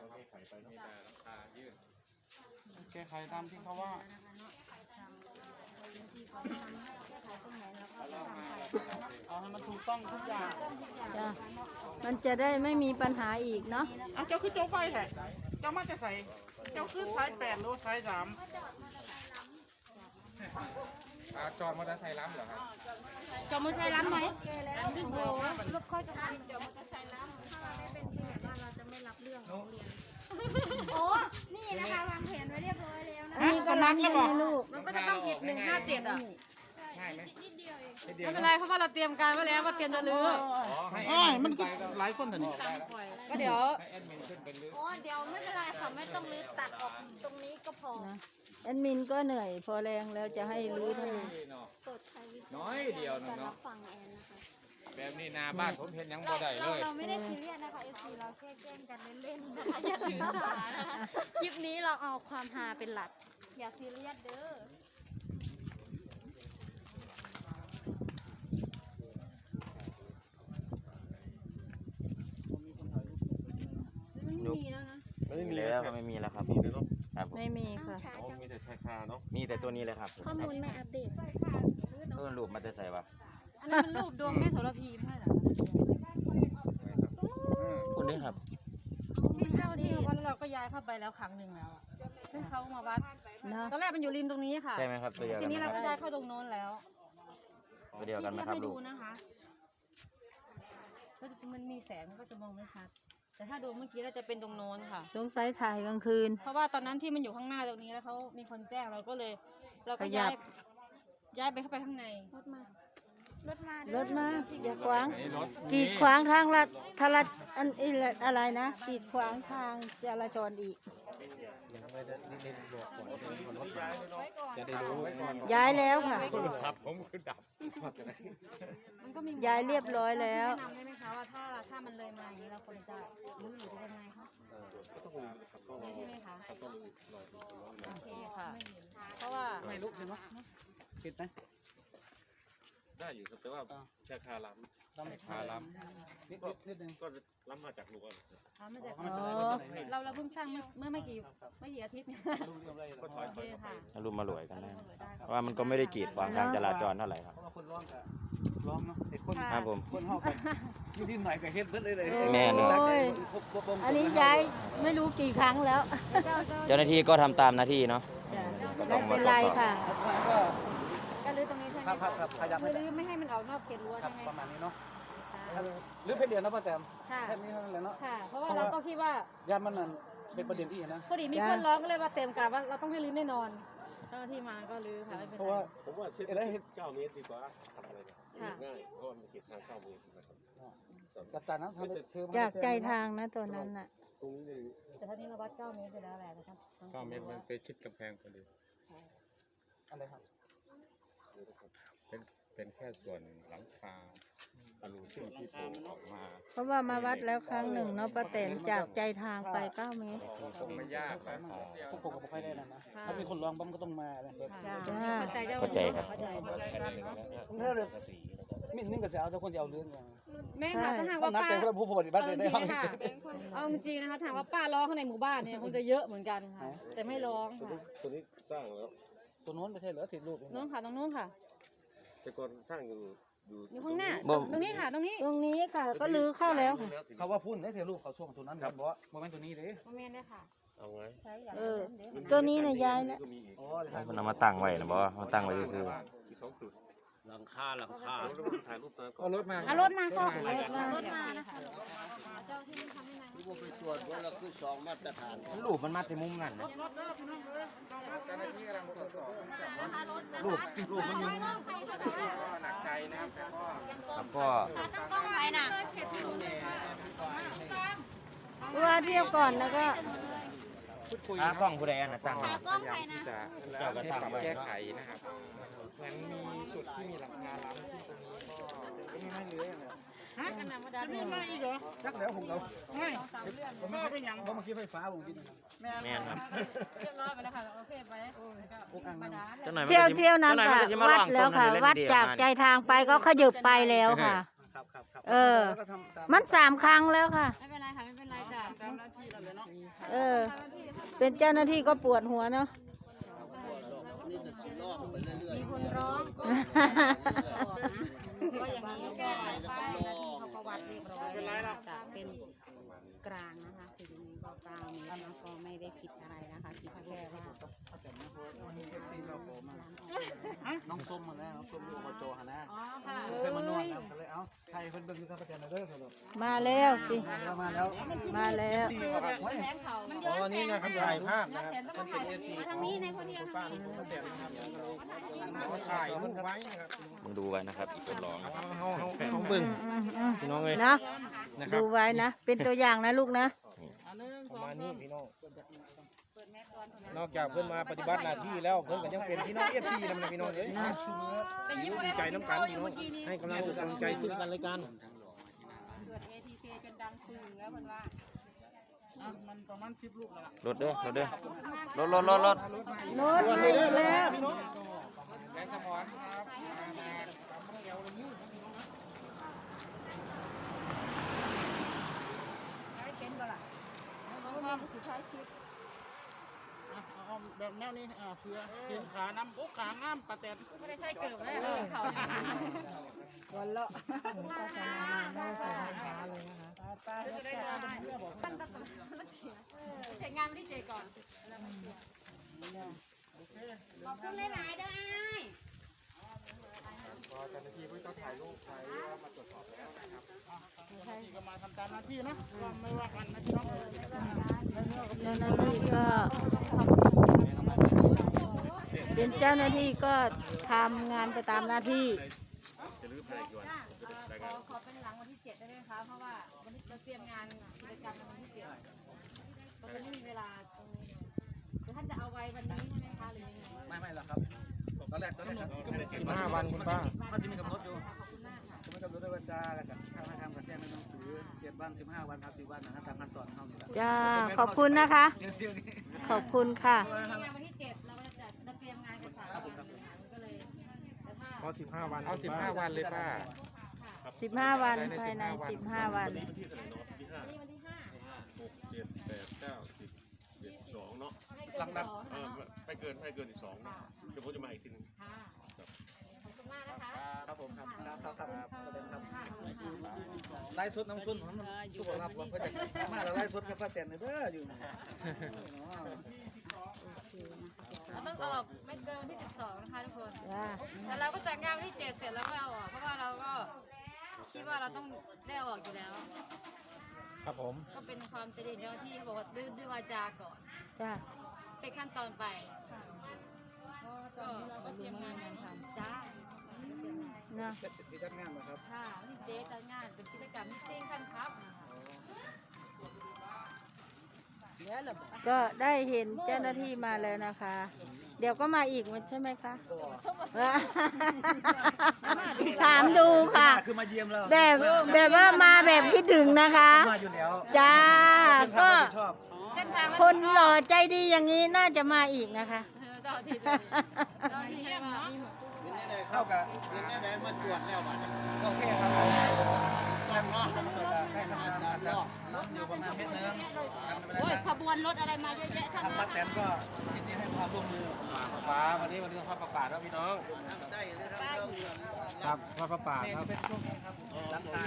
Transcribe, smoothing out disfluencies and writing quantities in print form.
มีแต่ราคายืดแก้ไขตามที่เขาว่าเอาให้มันถูกต้องทุกอย่างจ้ะมันจะได้ไม่มีปัญหาอีกเนาะเอาเจ้าคือโจ๊กไฟแท้เจ้ามาจะใส่เจ้าคือสาย8หรือสาย3 จอดมอเตอร์ไซค์ล้ำเหรอครับจอมือใช้ล้ำไหมโอ้โหรถค่อยจะทำเดี๋ยวมันจะใส่น้ำถ้าไม่เป็นที่แบบว่าเราจะไม่รับเรื่องของเรียนโอ้นี่นะคะวางแผนไว้เรียบร้อยแล้วนะอันนี้ก็รับให้ลูกมันก็จะต้องผิด157อ่ะง่ายไหมไม่เป็นไรเพราะว่าเราเตรียมการไว้แล้วว่าเตรียมจะลื้ออ้ายมันก็หลายคนแต่นี่ก็เดี๋ยวให้แอดมินขึ้นเป็นลื้ออ๋อเดี๋ยวไม่เป็นไรค่ะไม่ต้องลื้อตัดออกตรงนี้ก็พอแอดมินก็เหนื่อยพอแรงแล้วจะให้รื้อทั้งนี้เนาะโปรดใช้วิจารณน้อยเดียวหนึงญาณรัเนาะบฟังแอนนะคะแบบนี้นาบ้านผมเห็นยังบ่ได้เลยเราไม่ได้ซีเรียสนะคะเอซีเราแค่แกล้งกันเล่นๆนะคะอย่าถือสานะคะคลิปนี้เราเอาความฮาเป็นหลักอย่าซีเรียสเด้อยุบไม่มีแล้วก็ไม่มีแล้วครับครับผมไม่มีค่ะช้าจังมีแต่ชายคาเนาะมีแต่ตัวนี้เลยครับข้อมูลไม่อัปเดตรูปมันจะใส่วะอันนี้มันรูปดวงแม่โสระพีไม่ใช่เหรอคุณนี่ครับที่เจ้าที่วัดเราก็ย้ายเข้าไปแล้วครั้งหนึ่งแล้วอะซึ่งเขามาวัดเนาะตอนแรกมันอยู่ริมตรงนี้ค่ะใช่ไหมครับตัวเดียวทีกันนี้ไหมเราคก็รับย้ายเข้าตรงโน้นแล้วตัวเดียวกันไหมที่ครับให้ลูดูกนะคะก็มันมีแสงมันก็จะมองไม่ชัด แต่ถ้าดูเมื่อกี้เราจะเป็นตรงโน้นค่ะสงสัยถ่ายกลางคืนเพราะว่าตอนนั้นที่มันอยู่ข้างหน้าตรงนี้แล้วเขามีคนแจ้งเราก็เลย เราก็ขยับย้ายไปเข้าไปข้างในรถมารถมาอย่าขวางไอ้รถกีดขวางทางลัดทารัดอันอีอะไรนะกีดขวางทางจราจรอีกจะได้รู้ว่ามันย้ายแล้วค่ะโทรศัพท์ผมคือดับมันก็มีย้ายเรียบร้อยแล้วแนะนำได้ไหมคะว่าถ้ามันเลยมาอย่างนี้เราควรจะรู้หรือจะยังไงคะใช่ไหมคะโอเคค่ะ เพราะว่าไม่ลุกเห็นไหมปิดไหมได้อยู่ครับแต่ว่าชาคาล้ต้องคาล้นิดนึงำก็ล้ำมาจากลุงทำมาจากอ๋อเราเพิ่งสร้างเมื่อไม่กี่อาทิตย์ดูเรียบร้อยแล้วโอเคค่ะเอารูปมารวยกันได้ว่ามันก็ไม่ได้กีดขวางทางจราจรเท่าไหร่ครับเพราะว่าคนร้องกับร้องเนาะไอ้คนครับผมคนห้องกันนิดหน่อยก็เฮ็ดเบิดเลยเลยแม่เนอะโอ้ยอันนี้ย้ายไม่รู้กี่ครั้งแล้วเจ้าหน้าที่ก็ทำตามหน้าที่เนาะจ้ะไม่เป็นไรค่ะก็ก็รื้อตรงนี้ใช่ไหมครับขยับคือรื้อไม่ให้มันออกนอกเขตรั้วครัใช่บไหมประมาณนี้เนาะหรือเพชรเดียวนะป้าแตมค่ะแค่นี้เท่านั้นแหละเนาะค่ะ เพราะว่าเราก็คิดว่ายามันนั่นเป็นประเด็นที่นะพอดีมีคนร้องก็เลยมาเต็มการว่าเราต้องให้รื้อแน่นอนเจ้าหน้าที่มาก็รื้อค่ะไม่เป็นเพราะไรว่าผมว่าเส้นอะไรเฮ็ด 9 เมตรดีกว่าทำอะไรเนี่ยง่ายเพราะว่ามันเก็บทาง9 เมตรนะครับจัดการนะทำเธอจากใจทางนะตัวนั้นน่ะตรงนี้เลยแต่ท่านี้เราวัด9 เมตรไปแล้วแหละนะครับำ9 เมตรมันไปชิดกำแพงพอดีอะไรครับเป็นแค่ส่วนหลังคาอลูซึ่งที่โผล่ออกมาเพราะว่ามาวัดแล้วครั้งหนึ่งเนาะป้าแตนจากใจทางไป9 เมตรคือคงไม่ยากนะพวกผมก็ไม่ค่อยได้นะถ้ามีคนร้องบ้างก็ต้องมาเลยจ้าเข้าใจเจ้าเข้าใจครับเข้าใจถ้าเลยมินนึงก็จะเอาแต่คนจะเอาเรื่องอย่างแม่ค่ะถ้าหากต้อว่างนับป้าแต่คนผู้ปฏิบัติเอาจได้ริงครับๆค่ะเอาจริงๆนะคะถามว่าป้าร้องข้างในหมู่บ้านเนี่ยคงจะเยอะเหมือนกันค่ะ แต่ไม่ร้องค่ะตัวนี้สร้างแล้วตัวนู้นไม่ใช่เหรอติดรูปน้องค่ะตรงนู้นค่ะแต่ก่อนสร้างอยู่อยู่ข้างหน้าบ่ตรงนี้ค่ะตรงนี้ตรงนี้ค่ะก็ลื้อเข้าแล้วค่ะเขาว่าพุ่นได้เทรูปเขาช่วงตัวนั้นบอกว่าโมเมนต์ตัวนี้เลยโมเมนต์ได้ค่ะเอาไงใช้อย่างเออนั้นเดี๋ยวตัวนี้น่ะย้ายแล้วก็มีอีกอ๋อมันเอามาตั้งไว้นะบอกว่ามาตั้งไว้ซื่ออีก2 จุดหลังคาแล้วถ่ายรูปตอนก่อเอานรถมาเอารถมาก็รถมานะคะเจ้าที่ทำให้นายที่ว่าไปตรวจว่าเราคือสองมาตรฐานๆรูปมันมาแต่มุมนั่นนะนะคะรถรูปมันอยู่หนักใจนะครับแต่ก็ครับก็ตั้งกล้องไว้น่ะว่าเที่ยวก่อนแล้วก็พูดคุยหากล้องผู้ใดอันนะตั้งไว้กล้องใครนะที่จะแล้วให้ปรับแก้ไขนะครับเหมือนมีจุดที่มีหลังคาล้ำที่ตรงนี้ก็ไม่ให้เลื้อยนะกันนำมาดันมีมาอีกเหรอจักแล้วผมเอาไม่ผมไม่เป็นยังเพราะเมื่อกี้ไฟฟ้าผมกินแม่นครับเรียบร้อยไปแล้วค่ะโอเคไปมาดันเจ้าหน่อยมันเที่ยวก็สิเที่ยวนั้นเจ้าหอยค่ะมัก็สิมาวัลดองแล้วค่ะต้นวัดเล่นๆจากใจทางไปก็ขยับไปแล้วค่ะครับเออ มัน3 ครั้งแล้วค่ะไม่เป็นไรค่ะไม่เป็นไรจ้ะเป็นเจ้าหน้าที่ก็ปวดหัวเนาะนี่จะสิล่อไปเรื่อยมีคนร้องก็อย่างนี้ก็ป้ายนะที่เขาประวัติเรียบร้อยแล้วจากเป็นกลางนะคะคืออย่างนี้ก็กลางนี้นะก็ไม่ได้ผิดอะไรนะคะคิดแค่ว่าน้องส้มมาแล้วน้องส้มลูกอบจฮะนะอ๋อค่ะเคยมานวดแล้วก็เลยเอาใครเพิ่นเบิ่งอยู่ครับอาจารย์เด้อครับมาแล้วสิมาแล้วมาแล้วแสงเขามันย้อนแสงนะครับถ่ายภาพนะครับต้องถ่ายมาทางนี้ในคนเดียวทางนี้ถ่ายรูปไว้นะครับมึงดูไว้นะครับอีกคนร้องนะครับเฮาเบิ่งพี่น้องเลยนะดูไว้นะ เป็นตัวอย่างนะลูกนะประมาณนี้พี่น้องนอกจากเพิ่นมาปฏิบัติหน้าที่แล้วเพิ่นก็ยังเป็นพี่น้อง FC นำนะพี่น้องเอ้ยดีใจน้ำกันพี่น้องให้กำลังใจซึ่งกันและกันเกิด ATK จนดังปึงแล้วเพิ่นว่ามันประมาณ10ลูกแล้วล่ะรถเด้อรถเด้อรถโน้ตมาแล้วแสงสมอนครับมาเอาแบบแนวนี้เพื่อเห็นขาน้ำโอ้ขางามปลาแตนไม่ได้ใช่เกิดเลยเขาวันละเสร็จงานวันที่เจก่อนขอบคุณหลายๆเด้ออ้ายก็เจ้าหน้าที่เพิ่งต้องถ่ายรูปไว้ว่ามาตรวจสอบแล้วนะครับนี่ก็มาทำตามหน้าที่นะไม่ว่ากันนะพี่น้องเจ้าหน้าที่ก็ เป็นเจ้าหน้าที่ก็ทำงานไปตามหน้าที่ขอเป็นหลังวันที่7ได้ไหมคะ เพราะว่าวันนี้เราเตรียมงานกิจกรรมวันที่7ตอนนี้มีเวลาตรงนี้คือท่านจะเอาไว้วันนี้ใช่ไหมคะหรือยังไงไม่หรอกครับตอนแรก 15 วันคุณป้ามันสิมีกำหนดอยู่จะไม่กำหนดด้วยวันจ้าแล้วกันถ้าทำกับแจ้งในหนังสือ7 วัน15 วัน10 วันนะตามขั้นตอนเท่านี้แหละจ้า ขอบคุณนะคะเดี๋ยวนี้ขอบคุณค่ะมีงานวันที่7เราจะเตรียมงานกัน3 วันก็เลยแต่ถ้าพอ15 วันเอา15 วันเลยป้า 15 วันภายใน 15 วันวันที่5 12เนาะให้เกิน2เนาะไม่เกิน12เนาะเดี๋ยวผมจะมาอีกทีนึงค่ะขอบคุณมากนะคะครับผมครับไล่สดน้ำซุนผมทุกคนครับว่าเพื่อจะมาแล้วไล่สดกับป้าแตนเด้ออยู่เราต้องออกไม่เกินวันที่12นะคะทุกคนจ้าแต่เราก็จัดงานวันที่7เสร็จแล้วก็เอาออกเพราะว่าเราก็คิดว่าเราต้องได้เอาออกอยู่แล้วครับผมก็เป็นความจริงเจ้าหน้าที่เขาบอกว่าด้วยวาจาก่อนจ้าเป็นขั้นตอนไปก็เราก็เตรียมงานกันทำจ้านะที่จัดงานนะครับค่ะวันที่เจ๊จัดงานเป็นกิจกรรมที่เจ๊งขั้นครับนะคะก็ได้เห็นเจ้าหน้าที่มาแล้วนะคะ เดี๋ยวก็มาอีกใช่ไหมคะ ถามดูค่ะคือมาเยี่ยมเราแบบว่ามาแบบคิดถึงนะคะมาอยู่แล้วจ้า ก็ชอบเส้นทางคนหล่อใจดีอย่างนี้น่าจะมาอีกนะคะเจ้าที่เจ้าที่ให้มามีหมดๆเป็นได้เข้ากับเป็นได้มาตรวจแล้วบัดนี้โอเคครับต้องรอดให้ทำงานกันอยู่ประมาณเม็ดนึงโอ้ยขบวนรถอะไรมาเยอะแยะทางป้าแตนก็ยินดีให้ความร่วมมือฟ้าวันนี้ทอดประกาศแล้วพี่น้องได้เลยครับครับทอดประกาศครับเป็นช่วงนี้ครับ